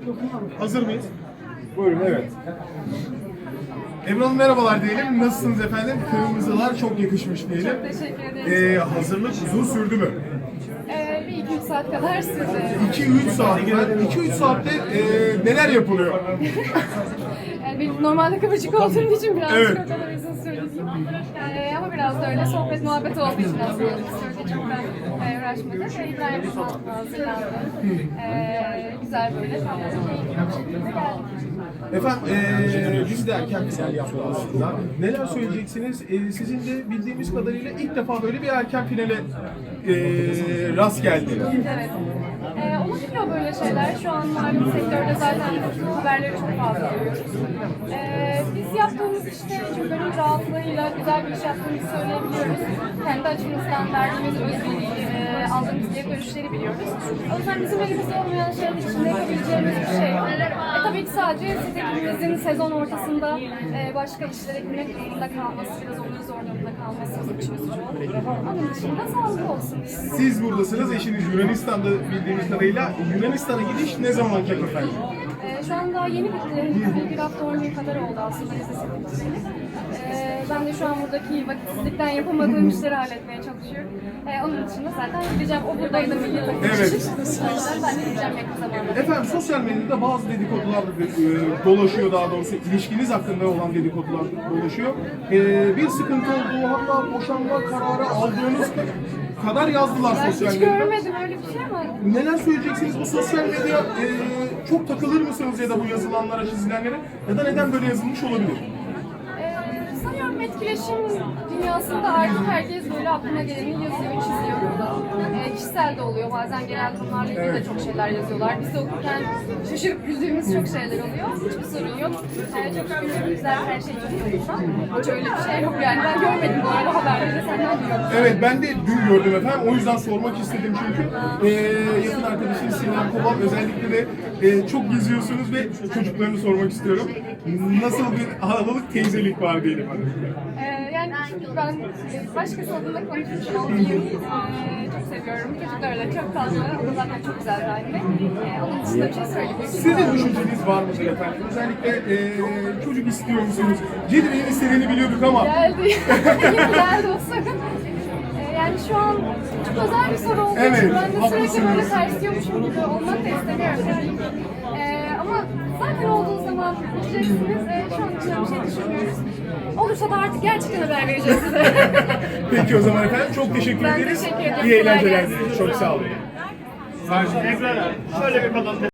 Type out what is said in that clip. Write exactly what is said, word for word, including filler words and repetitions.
Hazır mıyız? Buyurun, evet. Ebru Hanım merhabalar diyelim. Nasılsınız efendim? Kırmızılar çok yakışmış diyelim. Çok teşekkür ederim. Ee, hazırlık uzun sürdü mü? Ee, bir iki üç saat kadar sürdü. iki üç saat. iki üç saatte e, neler yapılıyor? Yani benim normalde kıvırcık olduğum için birazcık Evet. o kadar uzun sürdü değil. Ee, ama biraz da öyle sohbet muhabbet olduğu için aslında uzun sürdü. Çok da e, uğraşmadık. Ve İbrahim Sağlık'la hazırlandı. Ee, güzel böyle tatlı keyifli bir şekilde geldik. Efendim, ee, biz de erken final yaptık aslında. Neler söyleyeceksiniz? Ee, sizin de bildiğimiz kadarıyla ilk defa böyle bir erken finale ee, rast geldi. Evet. Ee, olabiliyor böyle şeyler. Şu an malum sektörde zaten haberleri çok fazla duyuyoruz. Ee, biz yaptığımız işte çünkü gönül rahatlığıyla güzel bir iş yaptığımızı söyleyebiliyoruz. Kendi açımızdan verdiğimiz özveriyi, e, aldığımız geri dönüşleri biliyoruz. O yüzden bizim elimizde olmayan şeyler için yapabileceğimiz bir şey yok. E, tabii ki sadece siz ekibimizin sezon ortasında e, başka işlere girmek zorunda kalması, biraz onun zor durumda kalması bizim için üzücü olur. Onun dışında sağlık olsun. Siz buradasınız, eşiniz Yunanistan'da bildiğimiz kadarıyla. Yunanistan'a gidiş ne zaman olacak efendim? Ee, şu an daha yeni bitti. Bir, bir hafta on gün kadar oldu aslında vizesi bitmeli. Ee, ben de şu an buradaki vakitsizlikten yapamadığım işleri halletmeye çalışıyorum. Ee, onun dışında zaten gideceğim. O buradaydı milli takım. Evet. O yüzden ben de gideceğim yakın zamanda. Efendim, sosyal medyada bazı dedikodular e, dolaşıyor, daha doğrusu ilişkiniz hakkında olan dedikodular dolaşıyor. E, bir sıkıntı olduğu, hatta boşanma kararı aldığınız kadar yazdılar Ben sosyal hiç medyada. görmedim öyle bir şey ama Neler söyleyeceksiniz bu sosyal medya? E, çok takılır mısınız ya da bu yazılanlara, çizilenlere? Ya da neden böyle yazılmış olabilir? Ee, sanıyorum etkileşim dünyasında artık herkes böyle aklına geleni yazıyor, çiziyor burada. Ee, kişisel de oluyor. Bazen genel konularla ilgili de çok şeyler yazıyorlar. Biz de okurken şaşırıp güldüğümüz çok şeyler oluyor. Hiçbir sorun yok. Ee, çok şükür güzel, her şey çok yolunda. Hiç öyle bir şey yok yani. Ben görmedim bu arada haberleri. Senden duyuyorum. Evet, ben de dün gördüm efendim. O yüzden sormak istedim çünkü e, yakın arkadaşınız Sinem Kobal özellikle de e, çok geziyorsunuz ve çocuklarını sormak istiyorum. Nasıl bir halalık, teyzelik var diyelim hadi. Ee, yani ben başkası adına konuşmuş olmayayım. Ee, çok seviyorum. Çocuklar da çok tatlı. O da zaten çok güzel bir anne. Ee, onun dışında bir şey söyleyeyim. Sizin düşünceniz var mıdır efendim? Özellikle e, çocuk istiyor musunuz? Cedibe'nin istediğini biliyorduk ama. Geldi. Yine geldi o sorun. Ee, yani şu an çok özel bir soru olduğu Evet, için ben de sürekli haklısınız. böyle tersliyormuşum gibi olmak da istemiyorum tabii ki. Ee, ama zaten olduğu zaman bileceksiniz. Ee, şu an için bir şey düşünmüyoruz. Olursa da artık gerçekten haber vereceğiz size. Peki o zaman efendim, çok teşekkür Ben ederiz. teşekkür ederim. İyi eğlenceler Kolay gelsin. dileriz. Çok sağ olun. Şöyle bir kadın